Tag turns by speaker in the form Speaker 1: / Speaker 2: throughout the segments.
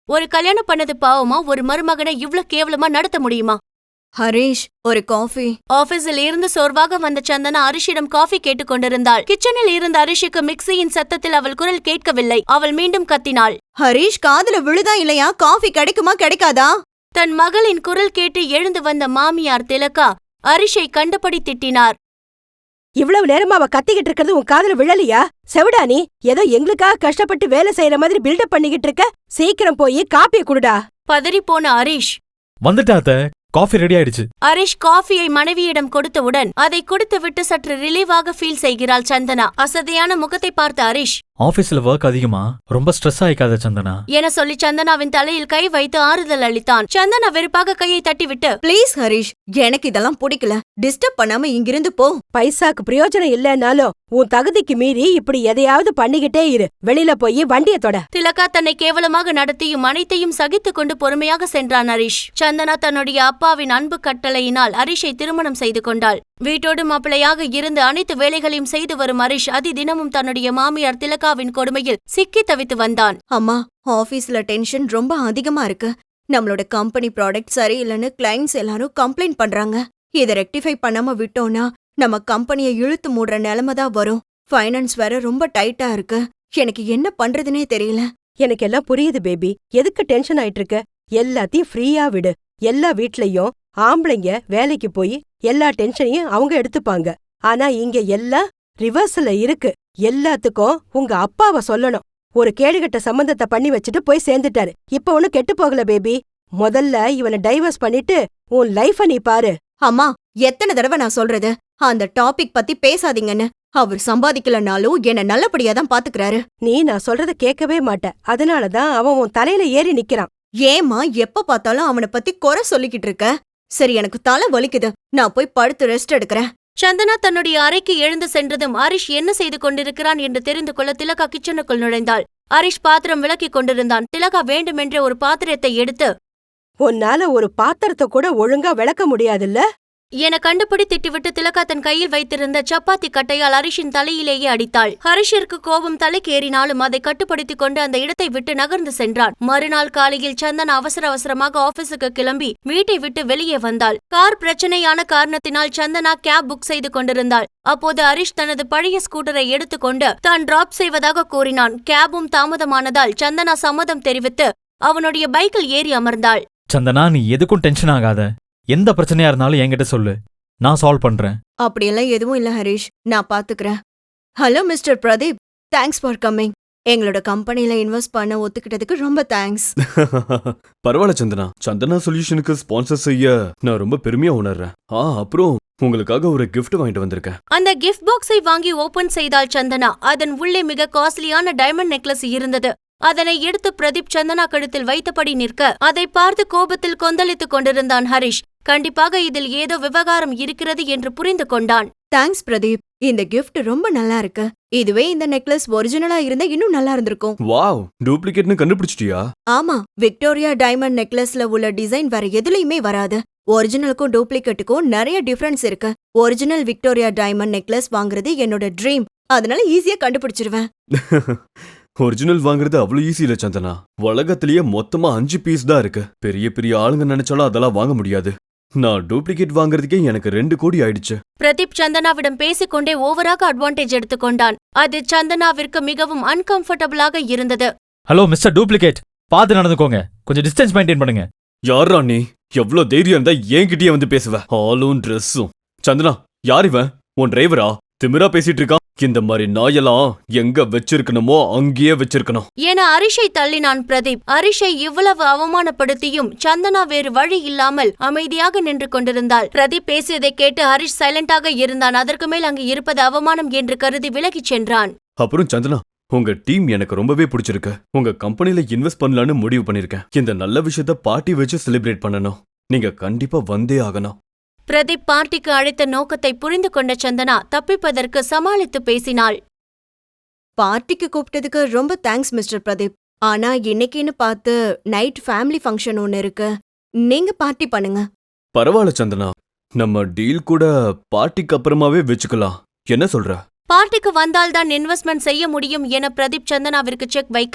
Speaker 1: ஒரு கல்யாணம் பண்ணது பாவமா ஒரு மருமகனை இவ்ளோ கேவலமா நடத்த முடியுமா?
Speaker 2: ஹரிஷ், ஒரு காஃபி.
Speaker 1: ஆபீஸில் இருந்து சோர்வாக வந்த சந்தனா அரிஷிடம் காஃபி கேட்டுக் கொண்டிருந்தாள். கிச்சனில் இருந்த அரிஷிக்கு மிக்சியின் சத்தத்தில் அவள் குரல் கேட்கவில்லை. அவள் மீண்டும் கத்தினாள்.
Speaker 2: ஹரிஷ், காதுல விழுதா இல்லையா? காஃபி கிடைக்குமா கிடைக்காதா?
Speaker 1: தன் மகளின் குரல் கேட்டு எழுந்து வந்த மாமியார் திலகா அரிஷை கண்டபடி திட்டினார்.
Speaker 3: இவ்வளவு நேரமா அவ கத்திக்கிட்டு இருக்கிறது உன் காதுல விழலையா? செவிடா நீ? ஏதோ எங்களுக்காக கஷ்டப்பட்டு வேலை செய்யற மாதிரி பில்டப் பண்ணிக்கிட்டு இருக்க. சீக்கிரம் போய் காப்பியை குடுடா.
Speaker 1: பதறிப்போன அரிஷ்,
Speaker 4: வந்துட்டாத்த, காஃபி ரெடி ஆயிடுச்சு.
Speaker 1: அரிஷ் காஃபியை மனைவியிடம் கொடுத்தவுடன் அதை குடித்துவிட்டு சற்று ரிலீவாக ஃபீல் செய்கிறாள் சந்தனா. அசதியான முகத்தை பார்த்த அரிஷ்,
Speaker 4: ஆபீஸ்ல ஒர்க் அதிகமா, ரொம்ப ஸ்ட்ரெஸ் ஆயிக்காத சந்தனா
Speaker 1: என சொல்லி சந்தனாவின் தலையில் கை வைத்து ஆறுதல் அளித்தான். சந்தனா வெறுப்பாக கையை தட்டிவிட்டு,
Speaker 2: ப்ளீஸ் ஹரிஷ், எனக்கு இதெல்லாம் பிடிக்கல. டிஸ்டர்ப் பண்ணாம இங்கிருந்து போ.
Speaker 3: பைசாக்கு பிரயோஜனம் இல்லனாலும் உன் தகுதிக்கு மீறி இப்படி எதையாவது பண்ணிக்கிட்டே இரு. வெளியில போய் வண்டிய தொட.
Speaker 1: திலகா தன்னை கேவலமாக நடத்தியும் அனைத்தையும் சகித்துக் கொண்டு பொறுமையாக சென்றான் ஹரிஷ். சந்தனா தன்னுடைய அப்பாவின் அன்பு கட்டளையினால் ஹரிஷை திருமணம் செய்து கொண்டாள். வீட்டோடு மாப்பிளையாக இருந்து அனைத்து வேலைகளையும் செய்து வரும் ஹரிஷ் தினமும் தன்னுடைய மாமியார் திலகாவின் கொடுமையில் சிக்கி தவித்து வந்தான்.
Speaker 2: அம்மா, ஆபீஸ்ல டென்ஷன் ரொம்ப அதிகமா இருக்கு. நம்மளோட கம்பெனி ப்ராடக்ட் சரியில்லைன்னு கிளைண்ட்ஸ் எல்லாரும் கம்ப்ளைண்ட் பண்றாங்க. இதை ரெக்டிஃபை பண்ணாம விட்டோம்னா நம்ம கம்பெனியை இழுத்து மூடுற நிலைமை தான் வரும். ஃபைனான்ஸ் வேற ரொம்ப டைட்டா இருக்கு. எனக்கு என்ன பண்றதுனே தெரியல.
Speaker 3: எனக்கு எல்லாம் புரியுது பேபி. எதுக்கு டென்ஷன் ஆயிட்டு இருக்க? எல்லாத்தையும் ஃப்ரீயா விடு. எல்லா வீட்லயும் ஆம்பளைங்க வேலைக்கு போய் எல்லா டென்ஷனையும் அவங்க எடுத்துப்பாங்க. ஆனா இங்க எல்லாம் ரிவர்ஸ்ல இருக்கு. எல்லாத்துக்கும் உங்க அப்பாவை சொல்லணும். ஒரு கேடுகட்ட சம்பந்தத்தை பண்ணி வச்சுட்டு போய் சேர்ந்துட்டாரு. இப்ப ஒன்னும் கெட்டு போகல பேபி. முதல்ல இவனை டைவர்ஸ் பண்ணிட்டு உன் லைஃப நீ பாரு.
Speaker 2: அம்மா, எத்தனை தடவை நான் சொல்றது, அந்த டாபிக் பத்தி பேசாதீங்கன்னு. அவர் சம்பாதிக்கலனாலும் என்ன நல்லபடியா தான் பாத்துக்கிறாரு.
Speaker 3: நீ நான் சொல்றத கேட்கவே மாட்ட. அதனாலதான் அவன் உன் தலையில ஏறி நிக்கிறான்.
Speaker 2: ஏமா எப்ப பார்த்தாலும் அவனை பத்தி குறை சொல்லிக்கிட்டு இருக்க? சரி, எனக்கு தலை வலிக்குது. நான் போய் படுத்து ரெஸ்ட் எடுக்கிறேன்.
Speaker 1: சந்தனா தன்னுடைய அறைக்கு எழுந்து சென்றதும் ஹரிஷ் என்ன செய்து கொண்டிருக்கிறான் என்று தெரிந்து கொள்ள திலகா கிச்சனுக்குள் நுழைந்தாள். ஹரிஷ் பாத்திரம் விளக்கிக் கொண்டிருந்தான். திலகா வேண்டுமென்றே ஒரு பாத்திரத்தை எடுத்து,
Speaker 3: உன்னால ஒரு பாத்திரத்தை கூட ஒழுங்கா விளக்க முடியாதுல்ல
Speaker 1: என கண்டுபிடி திட்டிவிட்டு திலகா தன் கையில் வைத்திருந்த சப்பாத்தி கட்டையால் ஹரிஷின் தலையிலேயே அடித்தாள். ஹரிஷிற்கு கோபம் தலைக்கேறினாலும் அதை கட்டுப்படுத்திக் கொண்டு அந்த இடத்தை விட்டு நகர்ந்து சென்றான். மறுநாள் காலையில் சந்தனா அவசர அவசரமாக ஆபீஸுக்கு கிளம்பி வீட்டை விட்டு வெளியே வந்தாள். கார் பிரச்சனையான காரணத்தினால் சந்தனா கேப் புக் செய்து கொண்டிருந்தாள். அப்போது ஹரிஷ் தனது பழைய ஸ்கூட்டரை எடுத்துக்கொண்டு தான் டிராப் செய்வதாக கூறினான். கேபும் தாமதமானதால் சந்தனா சம்மதம் தெரிவித்து அவனுடைய பைக்கில் ஏறி அமர்ந்தாள்.
Speaker 4: சந்தனா, நீ எதுக்கும் டென்ஷன் ஆகாத. எந்த பிரச்சனையா இருந்தாலும் என்கிட்ட சொல்லு, நான் சால்வ் பண்றேன்.
Speaker 2: அப்படியெல்லாம் எதுவும் இல்ல ஹரிஷ், நான் பாத்துக்கிறேன். Hello mister Pradeep, thanks for coming. எங்களோட கம்பெனில இன்வெஸ்ட் பண்ண ஒத்துக்கிட்டதுக்கு ரொம்ப தேங்க்ஸ்.
Speaker 5: பரவாயில்ல சந்தனா. சந்தனா சொல்யூஷனுக்கு ஸ்பான்சர் செய்ய நான் ரொம்ப பெருமையா உணர்றேன். அப்புறம் உங்களுக்காக ஒரு கிஃப்ட் வாங்கிட்டு வந்திருக்கேன்.
Speaker 1: அந்த கிஃப்ட் பாக்ஸை வாங்கி ஓபன் செய்தாள் சந்தனா. அதன் உள்ளே மிக காஸ்ட்லியான டைமண்ட் நெக்லஸ் இருந்தது. அதனை எடுத்து பிரதீப் சந்தனா கழுத்தில் வைத்தபடி நிற்க அதை பார்த்து கோபத்தில் கொந்தளித்துக் கொண்டிருந்தான் ஹரிஷ். கண்டிப்பாக இதில் ஏதோ விவகாரம் இருக்கிறது என்று புரிந்து கொண்டான்.
Speaker 2: தேங்க்ஸ் பிரதீப், இந்த கிஃப்ட் ரொம்ப நல்லா இருக்கு. இதுவே இந்த நெக்லஸ் ஒரிஜினலா இருந்தா இன்னும் நல்லா இருந்திருக்கும்.
Speaker 5: வாவ், டூப்ளிகேட்னு கண்டுபிடிச்சிட்டியா?
Speaker 2: ஆமா, விக்டோரியா டைமண்ட் நெக்லஸ்ல உள்ள டிசைன் வேற எதுலயுமே வராது. ஒரிஜினலுக்கும் டூப்ளிகேட்டுக்கும் நிறைய டிஃபரன்ஸ் இருக்கு. ஒரிஜினல் விக்டோரியா டைமண்ட் நெக்லஸ் வாங்குறது என்னோட ட்ரீம். அதனால ஈஸியா கண்டுபிடிச்சிருவேன்.
Speaker 5: ஒரிஜினல் வாங்குறது அவ்வளவு ஈஸி இல்ல சந்தனா. உலகத்திலேயே மொத்தமா 5 பீஸ் தான் இருக்கு. பெரிய பெரிய ஆளுங்க நினைச்சாலும் அதெல்லாம் வாங்க முடியாது. நான் டூப்ளிகேட் வாங்குறதுக்கே எனக்கு 2 கோடி ஆயிடுச்சு.
Speaker 1: பிரதீப் சந்தனாவிடம் பேசிக்கொண்டே ஓவராக அட்வான்டேஜ் எடுத்துக்கொண்டான். அது சந்தனாவிற்கு மிகவும் அன்கம்ஃபர்டபுளாக இருந்தது.
Speaker 4: ஹலோ மிஸ்டர் டூப்ளிகேட், பார்த்து நடந்துக்கோங்க. கொஞ்சம் டிஸ்டன்ஸ் மெயின்டைன் பண்ணுங்க.
Speaker 5: யாரா நீ? எவ்வளவு தைரியம் இருந்தா என்கிட்டயே வந்து பேசுவ? ஆளும் ட்ரெஸ்ஸும். சந்தனா, யார் இவன்? உன் டிரைவரா? திமிரா பேசிட்டு இருக்கான். இந்த மாதிரி நாயெல்லாம் எங்க வச்சிருக்கணுமோ அங்கேயே வச்சிருக்கணும்
Speaker 1: என ஹரிஷை தள்ளினான் பிரதீப். ஹரிஷை இவ்வளவு அவமானப்படுத்தியும் சந்தனா வேறு வழி இல்லாமல் அமைதியாக நின்று கொண்டிருந்தாள். பிரதீப் பேசியதை கேட்டு ஹரிஷ் சைலண்டாக இருந்தான். அதற்கு மேல் அங்கு இருப்பது அவமானம் என்று கருதி விலகிச் சென்றான்.
Speaker 5: அப்புறம் சந்தனா, உங்க டீம் எனக்கு ரொம்பவே பிடிச்சிருக்கு. உங்க கம்பெனில இன்வெஸ்ட் பண்ணலான்னு முடிவு பண்ணிருக்கேன். இந்த நல்ல விஷயத்த பார்ட்டி வச்சு செலிப்ரேட் பண்ணணும். நீங்க கண்டிப்பா வந்தே ஆகணும்.
Speaker 1: பிரதீப் பார்ட்டிக்கு அழைத்த நோக்கத்தை புரிந்து கொண்ட சந்தனா தப்பிப்பதற்கு சமாளித்து பேசினாள்.
Speaker 2: பார்ட்டிக்கு கூப்பிட்டதுக்கு ரொம்ப தேங்க்ஸ் மிஸ்டர் பிரதீப். ஆனா இன்னைக்குன்னு பார்த்து நைட் ஃபேமிலி ஃபங்க்ஷன் ஒன்னு இருக்கு. நீங்க பார்ட்டி பண்ணுங்க.
Speaker 5: பரவாயில்ல சந்தனா, நம்ம டீல் கூட பார்ட்டிக்கு அப்புறமாவே வச்சுக்கலாம். என்ன சொல்ற?
Speaker 1: பார்ட்டிக்கு வந்தால்தான் இன்வெஸ்ட்மெண்ட் செய்ய முடியும் என பிரதீப் சந்தனாவிற்கு செக் வைக்க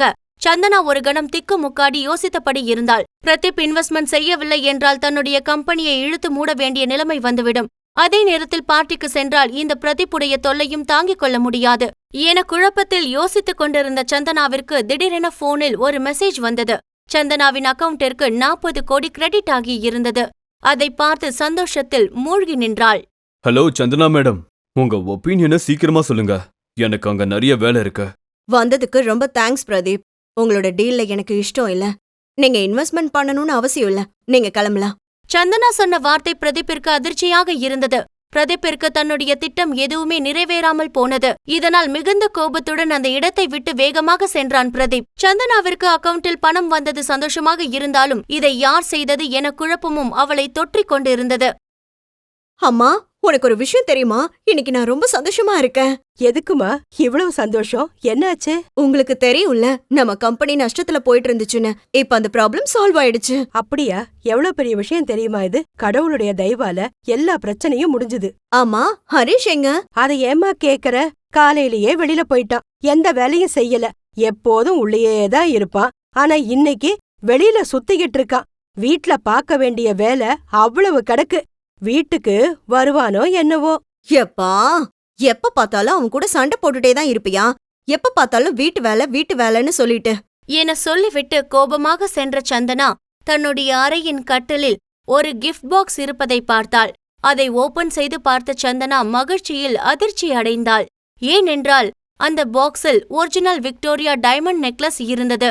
Speaker 1: சந்தனா ஒரு கணம் திக்கு முக்காடி யோசித்தபடி இருந்தாள். பிரதீப் இன்வெஸ்ட்மெண்ட் செய்யவில்லை என்றால் தன்னுடைய கம்பெனியை இழுத்து மூட வேண்டிய நிலைமை வந்துவிடும். அதே நேரத்தில் பார்ட்டிக்கு சென்றால் இந்த பிரதீப்புடைய தொல்லையும் தாங்கிக் கொள்ள முடியாது என குழப்பத்தில் யோசித்துக் கொண்டிருந்த சந்தனாவிற்கு திடீரென போனில் ஒரு மெசேஜ் வந்தது. சந்தனாவின் அக்கவுண்டிற்கு 40 கோடி கிரெடிட் ஆகி இருந்தது. அதை பார்த்து சந்தோஷத்தில் மூழ்கி நின்றாள்.
Speaker 5: ஹலோ சந்தனா மேடம், உங்க ஒப்பீனியனை சீக்கிரமா சொல்லுங்க. எனக்கு அங்க நிறைய வேலை இருக்கு.
Speaker 2: வந்ததுக்கு ரொம்ப தேங்க்ஸ் பிரதீப். உங்களோட டீல்ல எனக்கு இஷ்டம் இல்ல. நீங்க இன்வெஸ்ட்மெண்ட் பண்ணணும்னு அவசியம் இல்ல. நீங்க கிளம்பலாம்.
Speaker 1: சந்தனா சொன்ன வார்த்தை பிரதீப்பிற்கு அதிர்ச்சியாக இருந்தது. பிரதீப்பிற்கு தன்னுடைய திட்டம் எதுவுமே நிறைவேறாமல் போனது. இதனால் மிகுந்த கோபத்துடன் அந்த இடத்தை விட்டு வேகமாக சென்றான் பிரதீப். சந்தனாவிற்கு அக்கவுண்டில் பணம் வந்தது சந்தோஷமாக இருந்தாலும் இதை யார் செய்தது என குழப்பமும் அவளை தொற்றிக் கொண்டிருந்தது.
Speaker 2: அம்மா, உனக்கு ஒரு விஷயம் தெரியுமா? இன்னைக்கு நான் ரொம்ப சந்தோஷமா இருக்கேன்.
Speaker 3: எதுக்குமா இவ்வளவு சந்தோஷம்? என்னாச்சு?
Speaker 2: உங்களுக்கு தெரியும்ல, நம்ம கம்பெனி நஷ்டத்துல போயிட்டு இருந்துச்சுன்னு. இப்ப அந்த ப்ராப்ளம் சால்வ் ஆயிடுச்சு.
Speaker 3: அப்படியா? எவ்வளவு பெரிய விஷயம் தெரியுமா இது? கடவுளுடைய தயவால எல்லா பிரச்சனையும் முடிஞ்சுது.
Speaker 2: ஆமா, ஹரிஷ் எங்க?
Speaker 3: அதை ஏமா கேக்குற? காலையிலேயே வெளியில போயிட்டான். எந்த வேலையும் செய்யல. எப்போதும் உள்ளேயேதான் இருப்பான். ஆனா இன்னைக்கு வெளியில சுத்திக்கிட்டு இருக்கான். வீட்ல பார்க்க வேண்டிய வேலை அவ்வளவு கிடக்கு. வீட்டுக்கு வருவானோ என்னவோ.
Speaker 2: எப்பா, எப்ப பார்த்தாலும் அவன் கூட சண்டை போட்டுட்டே தான் இருப்பியா? எப்ப பார்த்தாலும் வீட்டு வேலைன்னு சொல்லிட்டு
Speaker 1: என சொல்லிவிட்டு கோபமாக சென்ற சந்தனா தன்னுடைய அறையின் கட்டிலில் ஒரு கிஃப்ட் பாக்ஸ் இருப்பதை பார்த்தாள். அதை ஓபன் செய்து பார்த்த சந்தனா மகிழ்ச்சியில் அதிர்ச்சி அடைந்தாள். ஏனென்றால் அந்த பாக்ஸில் ஒரிஜினல் விக்டோரியா டைமண்ட் நெக்லஸ் இருந்தது.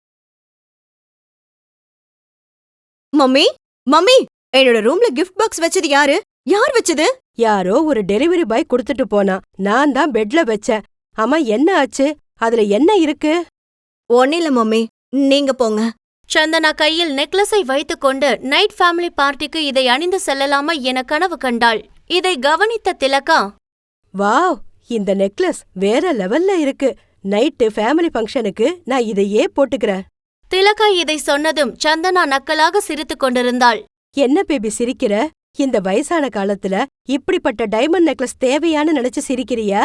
Speaker 2: மம்மி, மம்மி, என்னோட ரூம்ல கிஃப்ட் பாக்ஸ் வச்சது யாரு? யார் வச்சது?
Speaker 3: யாரோ ஒரு டெலிவரி பாய் குடுத்துட்டு போனான். நான் தான் பெட்ல வச்சேன். ஆமா, என்ன ஆச்சு? அதுல என்ன இருக்கு?
Speaker 2: ஒன்னில்ல மம்மி, நீங்க போங்க.
Speaker 1: சந்தனா கையில் நெக்லஸை வைத்துக்கொண்டு நைட் ஃபேமிலி பார்ட்டிக்கு இதை அணிந்து செல்லலாமா என கனவு கண்டாள். இதை கவனித்த திலகா,
Speaker 3: வாவ், இந்த நெக்லஸ் வேற லெவல்ல இருக்கு. நைட்டு ஃபேமிலி ஃபங்க்ஷனுக்கு நான் இதையே போட்டுக்கிறேன்.
Speaker 1: திலகா இதை சொன்னதும் சந்தனா நக்கலாக சிரித்துக் கொண்டிருந்தாள்.
Speaker 3: என்ன பேபி சிரிக்கிற? இந்த வயசான காலத்துல இப்படிப்பட்ட டைமண்ட் நெக்லஸ் தேவையான்னு நினைச்சு சிரிக்கிறியா?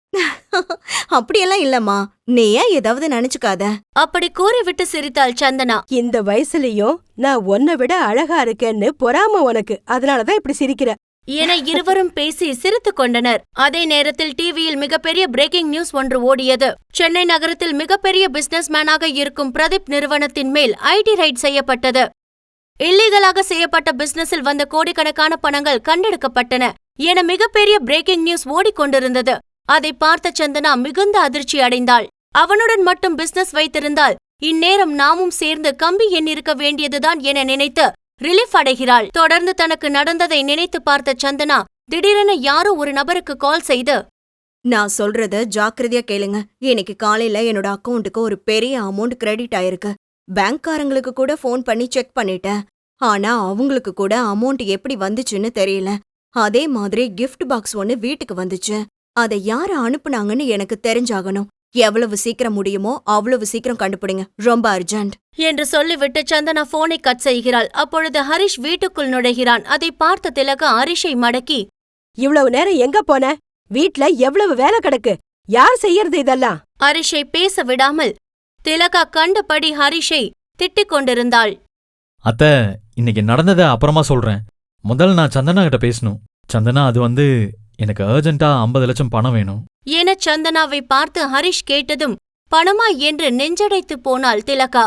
Speaker 2: அப்படியெல்லாம் இல்லம்மா, நீ ஏன் ஏதாவது நினைச்சுக்காத.
Speaker 1: அப்படி கூறிவிட்டு சிரித்தாள் சந்தனா.
Speaker 3: இந்த வயசுலயும் நான் உன்னை விட அழகா இருக்கேன்னு பொறாம உனக்கு, அதனாலதான் இப்படி சிரிக்கிற
Speaker 1: என இருவரும் பேசி சிரித்துக் கொண்டனர். அதே நேரத்தில் டிவியில் மிகப்பெரிய பிரேக்கிங் நியூஸ் ஒன்று ஓடியது. சென்னை நகரத்தில் மிகப்பெரிய பிசினஸ் மேனாக இருக்கும் பிரதீப் நிறுவனத்தின் மேல் ஐடி ரைட் செய்யப்பட்டது. இல்லீகலாக செய்யப்பட்ட பிசினஸில் வந்த கோடிக்கணக்கான பணங்கள் கண்டெடுக்கப்பட்டன என மிகப்பெரிய பிரேக்கிங் நியூஸ் ஓடிக்கொண்டிருந்தது. அதை பார்த்த சந்தனா மிகுந்த அதிர்ச்சி அடைந்தாள். அவனுடன் மட்டும் பிசினஸ் வைத்திருந்தால் இந்நேரம் நாமும் சேர்ந்து கம்பி எண்ணிருக்க வேண்டியதுதான் என நினைத்து ரிலீஃப் அடைகிறாள். தொடர்ந்து தனக்கு நடந்ததை நினைத்து பார்த்த சந்தனா திடீரென யாரோ ஒரு நபருக்கு கால் செய்து,
Speaker 2: நான் சொல்றத ஜாக்கிரதையா கேளுங்க. இன்னைக்கு காலையில என்னோட அக்கவுண்ட்டுக்கு ஒரு பெரிய அமௌண்ட் கிரெடிட் ஆயிருக்கு. பேங்க்காரங்களுக்கு கூட ஃபோன் பண்ணி செக் பண்ணிட்டேன். ஆனா அவங்களுக்கு கூட அமௌண்ட் எப்படி வந்துச்சுன்னு தெரியல. அதே மாதிரி கிஃப்ட் பாக்ஸ் ஒன்னு வீட்டுக்கு வந்துச்சு. அதை யாரு அனுப்புனாங்கன்னு எனக்கு தெரிஞ்சாகணும். எவ்வளவு சீக்கிரம் முடியுமோ அவ்வளவு சீக்கிரம் கண்டுபிடிங்க. ரொம்ப அர்ஜென்ட்
Speaker 1: என்று சொல்லிவிட்டு சந்தனா போனை கட் செய்கிறாள். அப்பொழுது ஹரிஷ் வீட்டுக்குள் நுழைகிறான். அதை பார்த்த திலகா ஹரிஷை மடக்கி,
Speaker 3: இவ்வளவு நேரம் எங்க போன? வீட்ல எவ்வளவு வேலை கிடக்கு. யார் செய்யறது இதெல்லாம்?
Speaker 1: ஹரிஷை பேச விடாமல் திலகா கண்டபடி ஹரிஷை திட்டிக் கொண்டிருந்தாள்.
Speaker 4: அத்த, இன்னைக்கு நடந்ததை அப்புறமா சொல்றேன். முதல்ல நான் சந்தனா கிட்ட பேசணும். சந்தனா, அது எனக்கு அர்ஜென்ட்டா 50 லட்சம் பணம் வேணும்
Speaker 1: என சந்தனாவை பார்த்து ஹரிஷ் கேட்டதும் பணமா என்று நெஞ்சடைத்து போனாள் திலகா.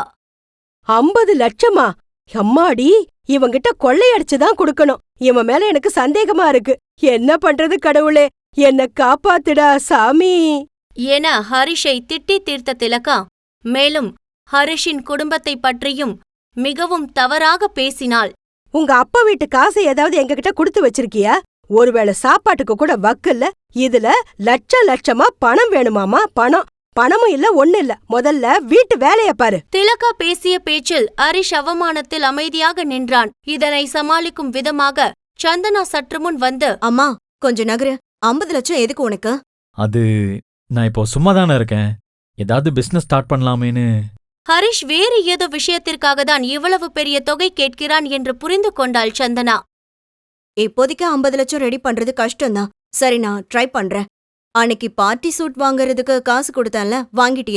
Speaker 3: 50 லட்சமா? அம்மாடி, இவங்கிட்ட கொள்ளையடிச்சுதான் கொடுக்கணும். இவன் மேல எனக்கு சந்தேகமா இருக்கு. என்ன பண்றது கடவுளே, என்ன காப்பாத்துடா சாமி
Speaker 1: என ஹரிஷை திட்டி தீர்த்த திலகா மேலும் ஹரிஷின் குடும்பத்தை பற்றியும் மிகவும் தவறாக பேசினாள்.
Speaker 3: உங்க அப்பா வீட்டு காசை ஏதாவது எங்ககிட்ட கொடுத்து வச்சிருக்கியா? ஒருவேளை சாப்பாட்டுக்கு கூட வக்கில்ல. இதுல லட்சமா பணம் வேணுமாமா? பணமும் இல்ல, ஒண்ணு இல்ல. முதல்ல வீட்டு வேலைய பாரு.
Speaker 1: திலகா பேசிய பேச்சில் ஹரிஷ் அவமானத்தில் அமைதியாக நின்றான். இதனை சமாளிக்கும் விதமாக சந்தனா சற்று முன் வந்து,
Speaker 2: அம்மா கொஞ்சம் நகரு. 50 லட்சம் எதுக்கு உனக்கு?
Speaker 4: அது நான் இப்போ சும்மா தானே இருக்கேன். ஏதாவது பிசினஸ் ஸ்டார்ட் பண்ணலாமேன்னு.
Speaker 1: ஹரிஷ் வேறு ஏதோ விஷயத்திற்காக தான் இவ்வளவு பெரிய தொகை கேட்கிறான் என்று புரிந்து கொண்டாள் சந்தனா.
Speaker 2: இப்போதைக்கு 50 லட்சம் ரெடி பண்றது கஷ்டம்தான். சரி, நான் ட்ரை பண்றேன். அன்னைக்கு பார்ட்டி சூட் வாங்கறதுக்கு காசு கொடுத்தேன்ல, வாங்கிட்டியா?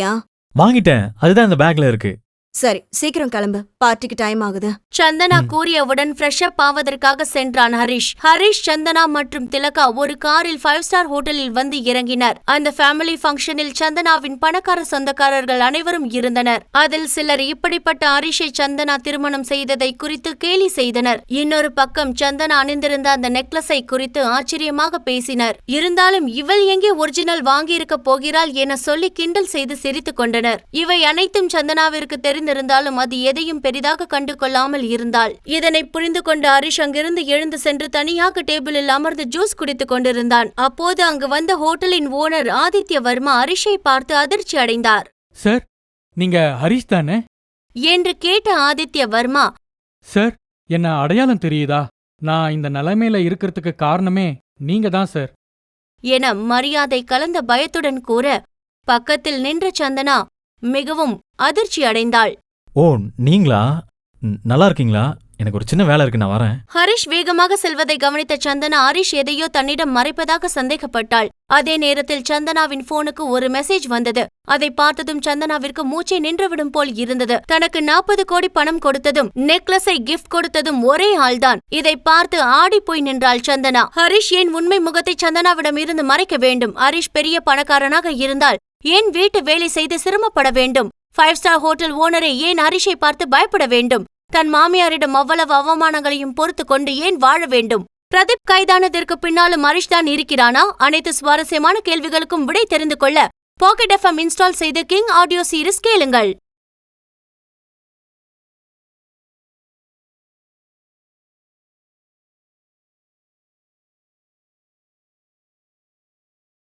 Speaker 4: வாங்கிட்டேன், அதுதான் இந்த பேக்ல இருக்கு.
Speaker 2: சரி, சீக்கிரம் கிளம்பு, பார்ட்டிக்கு டைம் ஆகுது.
Speaker 1: சந்தனா கூறியவுடன் ஃப்ரெஷ் அப் ஆவதற்காக சென்றான் ஹரிஷ், சந்தனா மற்றும் திலகா ஒரு காரில் 5 ஸ்டார் ஹோட்டலில் வந்து இறங்கினர். அந்த ஃபேமிலி ஃபங்க்ஷனில் சந்தனாவின் பணக்கார சொந்தக்காரர்கள் அனைவரும் இருந்தனர். அதில் சிலர் இப்படிப்பட்ட ஹரிஷை சந்தனா திருமணம் செய்ததை குறித்து கேலி செய்தனர். இன்னொரு பக்கம் சந்தனா அணிந்திருந்த அந்த நெக்லஸை குறித்து ஆச்சரியமாக பேசினர். இருந்தாலும் இவள் எங்கே ஒரிஜினல் வாங்கியிருக்க போகிறாள் என சொல்லி கிண்டல் செய்து சிரித்துக் கொண்டனர். இவை அனைத்தும் சந்தனாவிற்கு தெரிந்திருந்தாலும் அது எதையும் பெரிதாக கண்டு கொள்ளாமல் இருந்தாள். இதனை புரிந்து கொண்ட ஹரிஷ் அங்கிருந்து எழுந்து சென்று தனியாக டேபிளில் அமர்ந்து ஜூஸ் குடித்துக் கொண்டிருந்தான். அப்போது அங்கு வந்த ஹோட்டலின் ஓனர் ஆதித்ய வர்மா ஹரிஷை பார்த்து அதிர்ச்சி அடைந்தார்.
Speaker 6: சார், நீங்க ஹரிஷ் தானே?
Speaker 1: என்று கேட்ட ஆதித்ய வர்மா,
Speaker 6: சார், என்ன அடையாளம் தெரியுதா? நான் இந்த நிலைமையில இருக்கிறதுக்கு காரணமே நீங்க தான் சார்.
Speaker 1: என மரியாதை கலந்த பயத்துடன் கூற, பக்கத்தில் நின்ற சந்தனா மிகவும் அதிர்ச்சி அடைந்தாள்.
Speaker 4: ஓ, நீங்களா? நல்லா இருக்கீங்களா? எனக்கு ஒரு சின்ன வேலை இருக்கு, நான் வரேன்.
Speaker 1: ஹரிஷ் வேகமாக செல்வதை கவனித்த சந்தனா ஹரிஷ் எதையோ தன்னிடம் மறைப்பதாக சந்தேகப்பட்டாள். அதே நேரத்தில் சந்தனாவின் போனுக்கு ஒரு மெசேஜ் வந்தது. அதை பார்த்ததும் சந்தனாவிற்கு மூச்சை நின்றுவிடும் போல் இருந்தது. தனக்கு 40 கோடி பணம் கொடுத்ததும் நெக்லஸை கிஃப்ட் கொடுத்ததும் ஒரே ஆள்தான். இதை பார்த்து ஆடி போய் நின்றாள் சந்தனா. ஹரிஷ் ஏன் உண்மை முகத்தை சந்தனாவிடம் இருந்து மறைக்க வேண்டும்? ஹரிஷ் பெரிய பணக்காரனாக இருந்தால் ஏன் வீட்டு வேலை செய்து சிரமப்பட வேண்டும்? 5 ஸ்டார் ஹோட்டல் ஓனரை ஏன் ஹரிஷை பார்த்து பயப்பட வேண்டும்? தன் மாமியாரிடம் அவ்வளவு அவமானங்களையும் பொறுத்து கொண்டு ஏன் வாழ வேண்டும்? பிரதீப் கைதானதற்கு பின்னாலும் ஹரிஷ் தான் இருக்கிறானா? அனைத்து சுவாரஸ்யமான கேள்விகளுக்கும் விடை தெரிந்து கொள்ள பாக்கெட் FM இன்ஸ்டால் செய்து கிங் ஆடியோ சீரிஸ் கேளுங்கள்.